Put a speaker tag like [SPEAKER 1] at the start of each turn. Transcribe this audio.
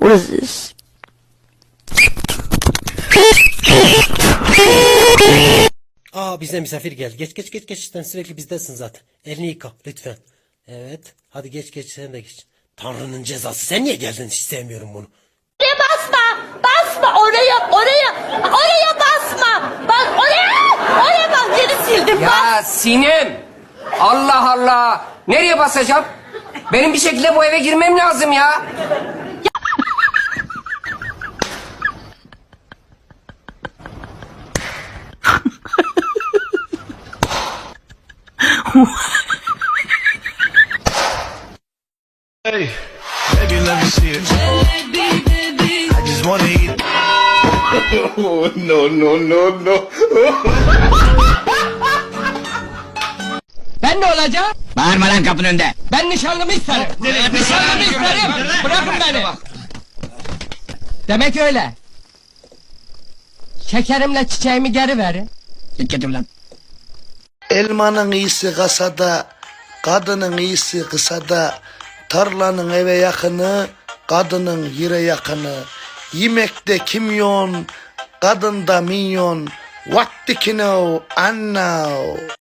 [SPEAKER 1] What is this?
[SPEAKER 2] Bize misafir geldi. Geç. Sen sürekli bizdesin zaten. Elini yıka lütfen. Evet. Hadi geç sen de geç. Tanrı'nın cezası. Sen niye geldin? Hiç sevmiyorum bunu.
[SPEAKER 3] Basma oraya basma. Bak oraya bak geri sildim.
[SPEAKER 4] Ya Sinem! Allah Allah! Nereye basacağım? Benim bir şekilde bu eve girmem lazım ya.
[SPEAKER 5] Hey, baby, let me see it. I just wanna eat. Oh, no.
[SPEAKER 4] Ben ne olacağım?
[SPEAKER 6] Bağırma lan kapının önünde.
[SPEAKER 4] Ben nişanlımı isterim. Nişanlımı isterim. Bırakın beni. Demek öyle. Şekerimle çiçeğimi geri verin.
[SPEAKER 6] Git getir lan.
[SPEAKER 7] Elmanın iyisi kasada, kadının iyisi kısada, tarlanın eve yakını, kadının yere yakını, yemekte kimyon, kadında minyon, what do you know, I know.